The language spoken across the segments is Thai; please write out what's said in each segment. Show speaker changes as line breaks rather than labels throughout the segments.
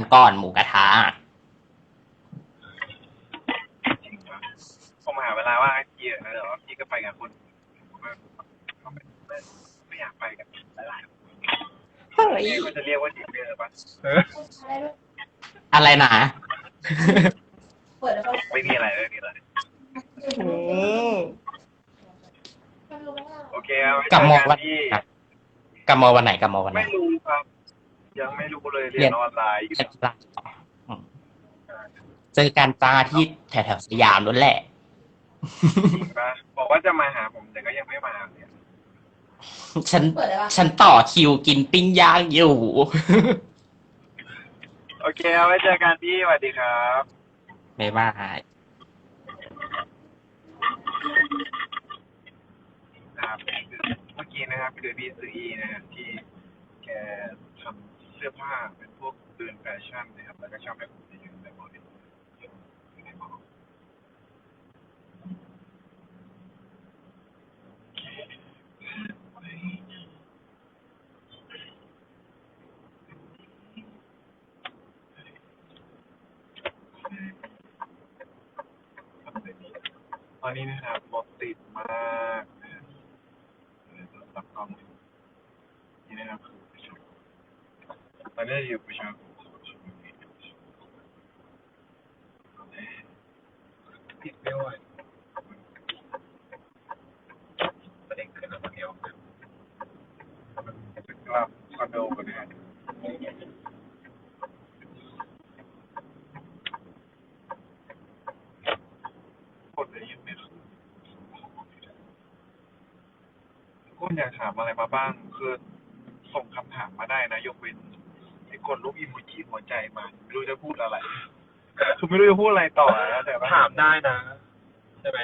ก่อนหมูกระทะ
จริงปะผมหาเวลาว่างให้พี่นะเดี๋ยวพี่ก็ไปกับคนเขาไม่อยากไปกันหลาย
เฮ้
ๆ
ย
นี่ก็จะเรียกว่าดีเดอร์ปะ
อะไรนะ
ไม่มีอะไรไม่มีอะไรโอเคเอาไว้เจ
กับมอวัน
อกันที่
กับมอวันไหนกับมอวันไหน
ไม่รู้ครับ ยังไม่รู้เลยเรียนออนไลน์อยู่
เจอกันจ้าที่แถวๆสยามนั่นแหละ
จริงปะบอกว่าจะมาหาผมแต่ก็ยังไม่มาเนี่ย
ฉันต่อคิวกินปิ้งย่างอยู่
โอเคเอาไว้เจอกันพี่สวัสดีครับ
ไม่ว่า
ครับเมื่อกี้นะครับคือพี่ซื้ออีนะครับที่แกทำเสื้อผ้าเป็นพวกเดินแฟชั่นนะครับแล้วก็ชอบให้ผมไปยืนในมอลล์ในมอลล์ตอนนี้นะครับรถติดมากนะครับรถรับกล้องนี่นะครับคือประชาตอนนี้อยู่ประชาติดไม่ไหวประเด็นคือเราคนเดียวจะกลับคอนโดกันนะครับคนจะยืนไม่ขึ้นคุณอยากถามอะไรมาบ้างคือส่งคำถามมาได้นะยกเว้นไอ้กดรูปอีโมจิหัวใจมาไม่รู้จะพูดอะไรคือไม่รู้จะพูดอะไรต่อนะแต่ว่า
ถามได้นะ ใช่ไหม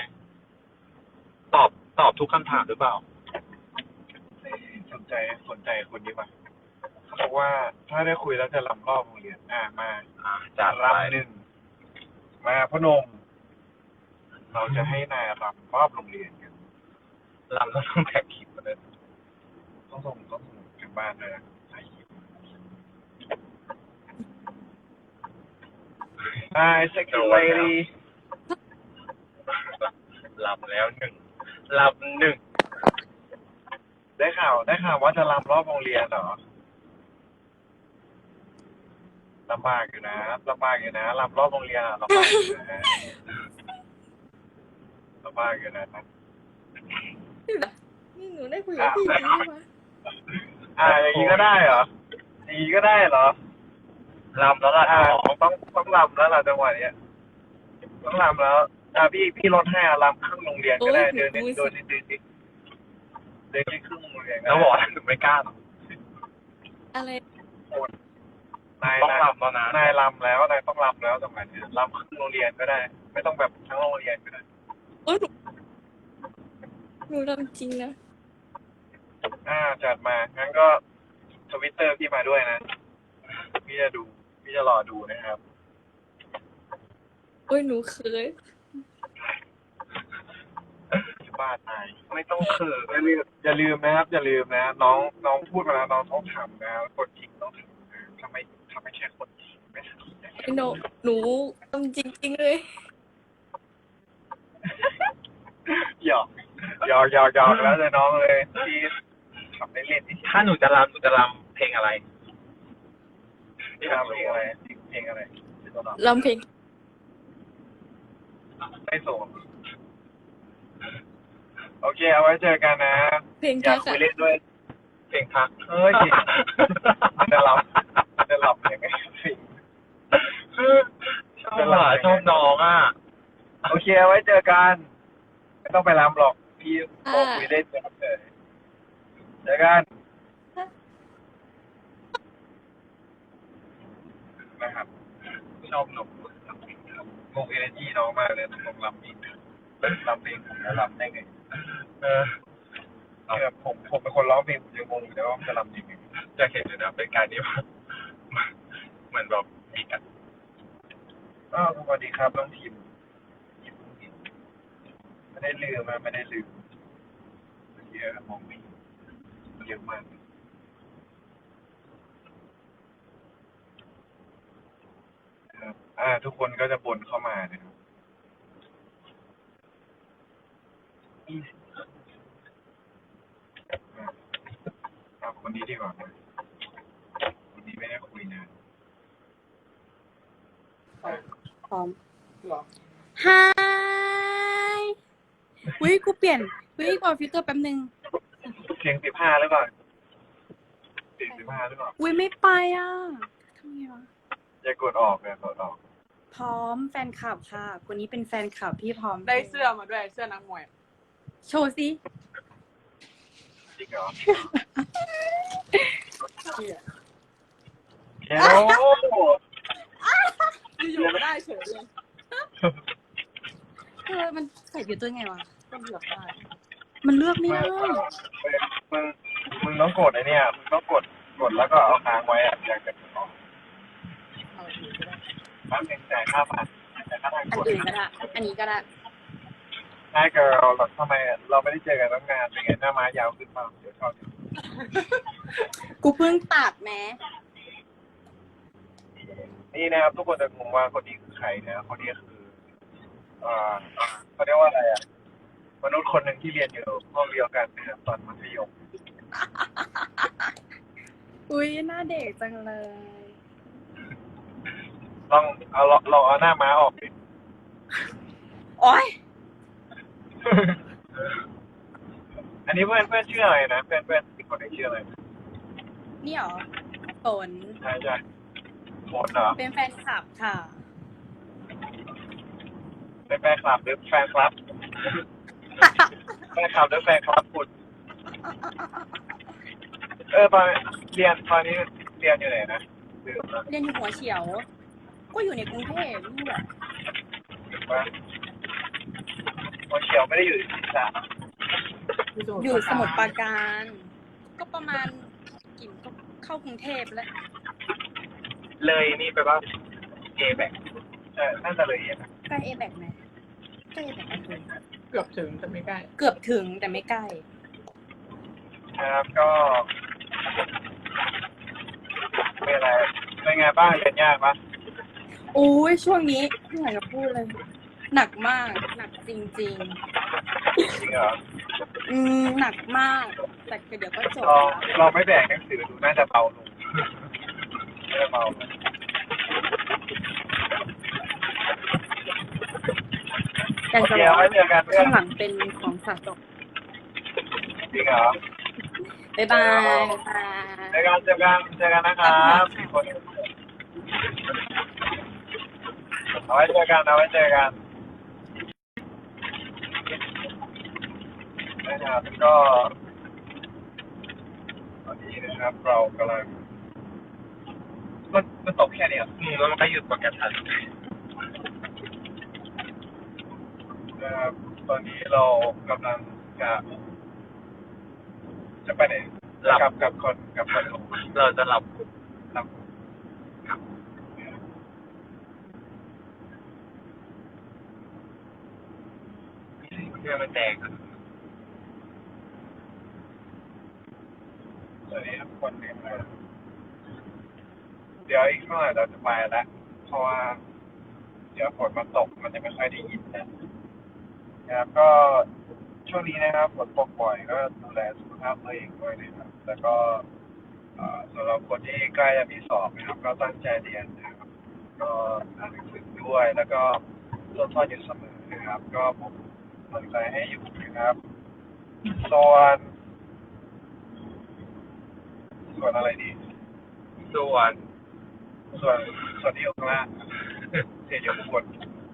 ตอบทุกคำถามหรือเปล่า
สนใจคนนี้ป่ะเขาบอกว่าถ้าได้คุยแล้วจะรำรอบโรงเรียนมา
จัดไป
รำหนึ่งมาพนม เราจะให้นายรำรอบโรงเรียนกัน
ลำแล้วต้องแท็กคลิปมาเลย
ต้องส่งถึงบ้านเลยนะถ่ายคลิปsexy lady
ลำแล้วหนึ่งลำหนึ่ง
ได้ข่าวว่าจะรำรอบโรงเรียนเหรอลำบากอยู่นะรำรอบโรงเรียนอะลำบากอยู่นะลำบากอยู่นะ
นี่หนูได้คุยกับพี่จริงไหมวะ
อย่างนี้ก็ได้เหรออย่างนี้ก็ได้เหรอ
ลำแล้วล่ะ
ต้องรำแล้วล่ะจังหวะเนี้ยต้องรำแล้วพี่ลดให้รำครึ่งโรงเรียนก็ได้เดินนิดครึ่งโรงเรียนก็
แล้ว
ได้
บอกหนูไม่กล้าหรอก
อะไร
ต้องลำแล้วนะ
นายรำแล้วนายต้องรำแล้วจังหวะเนี้ยรำครึ่งโรงเรียนก็ได้ ไม่ต้องแบบทั้งโรงเรียนก็ได้
โอ้ยหนูทำจริงนะ
จัดมางั้นก็ทวิตเตอร์พี่มาด้วยนะพี่จะรอดูนะครับ
โอ้ยหนูเคย
บ้านนายไม่ต้องเขินอย่าลืมนะครับอย่าลืมนะน้องพูดมาแล้วน้องต้องทำนะคนจริงต้องทำนะถ้าไม่ใช่คนจริงไม่ทำ
หนูทำจริงๆเลย
หยอกแล้วแต่น้องเลยที่ทำได้เล่นที่
ถ้าหนูจะลำเพลงอะไร
ที่ทำเพลงอะไรที่ต้อง
ลำเพลง
ไม่ส่งโอเคเอาไว้เจอกันนะ
เพลง
อยา
ทั
ก
ก
คุย
อะ
เล่นด้วย
เพลงพัก
เฮ้ยจะหลับยังไงสิ
ชอบน้องอ่ะ
โอเคเอาไว้เจอกันไม่ต้องไปรำหรอกพี่บอกคุยเล่นเฉยเจอกันนะครับชอบหนุ่มงงเอเนจีน้องมากเลยต้องรำอีกรำเพลงผมจะรำได้ไงแบบผมเป็นคนร้องเพลงผมยังงงอยู่เลยว่ามันจะรำยังไง
จะเห็นเลยนะเป็นการที่ว่าเหมือนแบบมีกัน
สวัสดีครับน้องทีมไม่ได้ลืมเยอะมองไม่เยอะมากทุกคนก็จะบ่นเข้ามานะครับอ่าเอาคนนี้ดีกว่านะคนนี้ไม่ได้คุยนาน
พร้อมฮายวิกูเปลี่ยนวิกดฟิลเตอร์แป๊บนึง
เสียง15หรือเปล่าเสียง15หรือเปล่า
วิไม่ไปอ่ะทำไงวะ
อย่ากดออกเลยกดออก
พร้อมแฟนคลับค่ะคนนี้เป็นแฟนคลับที่พร้อม
ได้เสื้อมาด้วยเสื้อนักมวย
โชว์สิ
จริงเหรอ
เหี้ย
แค่โอ้โห
อยู่ๆไม่ได้เฉยเลย
มันใส่ผิวตัวไงวะ
ก็เหลือกได้
มันเลือกไม่ได้
มึงต้องกดไอ้เนี่ยมึงต้องกดแล้วก็เอาค้างไว้อะอยากจะกดออก
เอาถือก็ได้
บ้านเป็นจ่ายค่าผ่านจ่ายค่าทาง
อั
ก
น
ด
อื่นก็ได้อันนี้ก็ได้
ใช่เกิร์ลทำไมเราไม่ได้เจอกันตั้งนานเป็นไงหน้าม้ายาวขึ้นเปล่าเดี๋ยวชอบ
กูเพิ่งตัดแม้
นี่นะครับทุกคนจะงงว่าคนนี้คือใครนะคนนี้คือเขาเรียกว่าอะไรอ่ะมนุษย์คนหนึ่งที่เรียนอยู่ห้องเดียวกันนะครับตอนมัธยม
อุ้ยหน้าเด็กจังเลย
ลองเอาหน้าม้าออกดิ
โอ๊ย
อันนี้เพื่อนชื่ออะไรนะเพื่อนอีกคนนึงชื่ออะไร
นี่หรอฝน
ใช่โฟนเหรอ
เป็นแฟนคลับค่ะ
เป็นแฟนคลับหรือแฟนคลับ แฟนคลับหรือแฟนคลับคุณตอนนี้เรียนอยู่ไหนนะ
เรียนอยู่หัวเฉียว ก็อยู่ในกรุงเทพนี่แหละ
ถึงว่าหัวเฉียวไม่ได้อยู่ที่ศีรษะ
อยู่สมุทรปราการ ก็ประมาณกี่ก็เข้ากรุงเทพแล้ว
เลยนี่ไปว่าเอแบกน่าจะเลยนะ
ใกล้เอแบกไหมใกล้เอแบกไหม
เกือบถึงแต่ไม่ใกล้
เกือบถึงแต่ไม่ใกล้
นะครับก็เป็นอะไรเป็นไงบ้างเรียนยากปะ
โอ้ยช่วงนี้ไม่อยากจะพูดเลย หนักมากหนักจริง
จริงเหรอ
ๆหนักมาก แต่เดี๋ยวก็จบ
เราไม่แบกหนังสือดูน่าจะเบาลงน่าจะเบาลง
อยากจะ
เดี๋
บ
ยว
อก
ไว้เจอกันเพื่อ
ข้าน งหลังเป็นของสะสม
จริงเหรอ
บ๊ายบายค่ะ
เจอกันนะครับมีคนเอาไว้เจอกันนะครับก็ตอนนี้นะครับเรากำลังมันตกแค่นี้อ่ะแล้วมันก็หยุดโปรแกรมทันนะครับตอนนี้เรากำลังจะไปไหนกับคนเราจะหลับเพื่อมันแตกสวัสดีทุกคนนะครับเดี๋ยวอีกเมื่อไหร่เราจะไปแล้วเพราะว่าเดี๋ยวฝนมันตกมันจะไม่ค่อยได้ยินนะครับก็ช่วงนี้นะครับฝนตกบ่อยก็ดูแลสุขภาพตัวเองด้วยนะครับแล้วก็สำหรับคนที่ใกล้จะมีสอบนะครับก็ตั้งใจเรียนนะครับก็อ่านหนังสือด้วยแล้วก็ทดสอบอยู่เสมอนะครับก็ผมสนใจให้อยู่นะครับส่วนอะไรดีส่วนที่อยู่ข้างล่างเสียอยู่ข้างบน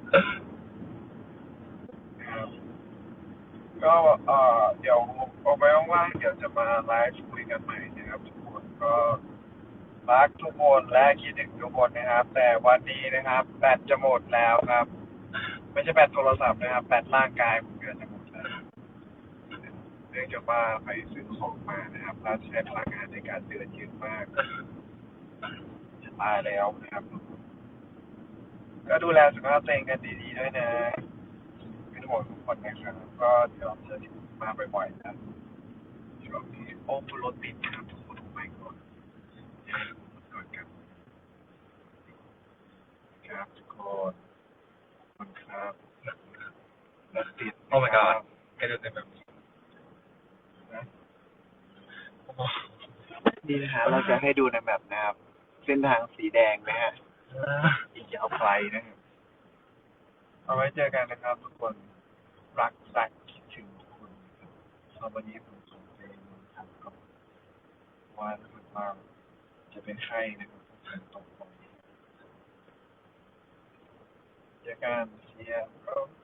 นะครับก็เดี๋ยวเอาไว้ว่างๆเดี๋ยวจะมาไลฟ์คุยกันใหม่นะครับทุกคนก็รักทุกคนและคิดถึงทุกคนนะครับแต่วันนี้นะครับแบตจะหมดแล้วครับไม่ใช่แบตโทรศัพท์นะครับแบตร่างกายผมเกิดจะหมดแล้วเนื่องจากว่าไปซื้อของมานะครับแล้วใช้พลังงานในการเดินเยอะมากจะตายแล้วนะครับก็ดูแลสุขภาพตัวเองกันดีๆด้วยนะเป็นห่วงทุกคนนะครับก็เดี๋ยวจะมาบ่อยๆนะช่วงนี้โอ้โหรถติดนะครับทุกคนไม่ก่อนกันโอเคครับทุกคนขอบคุณครับรักติด
โอ้ my god แกจะเป็นแบบนี้
นะ
โอ้โห
นี่นะฮะเราจะให้ดูในแมปนะครับ เส้นทางสีแดงนะฮะอีกยาวไกลนะครับเอาไว้เจอกันนะครับทุกคนรักสักคิดถึงทุกคนนะครับสำหรับวันนี้ผมส่งเพลงมาทำกับว่ารู้สึกว่าจะเป็นไข้นะครับฝนตกบ่อยเจอกันเชียร์